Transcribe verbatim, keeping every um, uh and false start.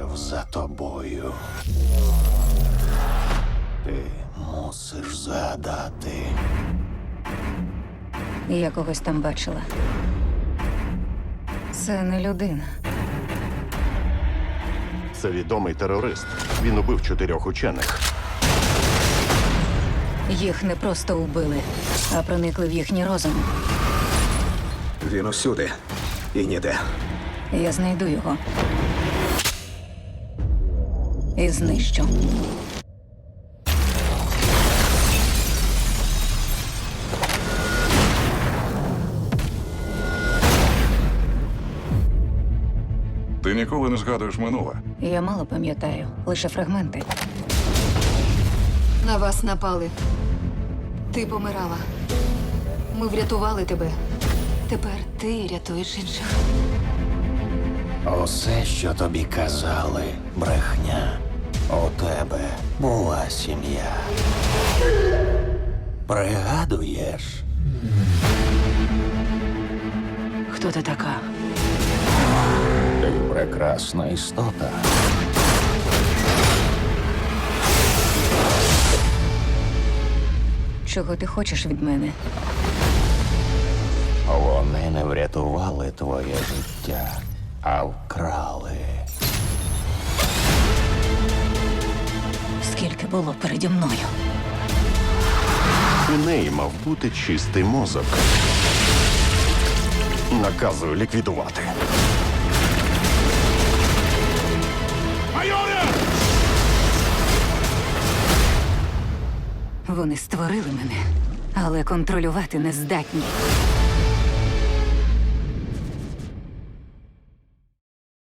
стежив за тобою. Ти мусиш згадати. Я когось там бачила. Це не людина. Це відомий терорист. Він убив чотирьох учених. Їх не просто вбили, а проникли в їхній розум. Він усюди і ніде. Я знайду його. І знищу. Ти ніколи не згадуєш минуле. Я мало пам'ятаю, лише фрагменти. На вас напали. Ти помирала. Ми врятували тебе. Тепер ти рятуєш інших. Усе, що тобі казали, брехня. У тебе була сім'я. Пригадуєш? Хто ти така? Ти прекрасна істота. Чого ти хочеш від мене? Вони не врятували твоє життя, а вкрали. Скільки було переді мною? У неї мав бути чистий мозок. Наказую ліквідувати. Вони створили мене, але контролювати не здатні.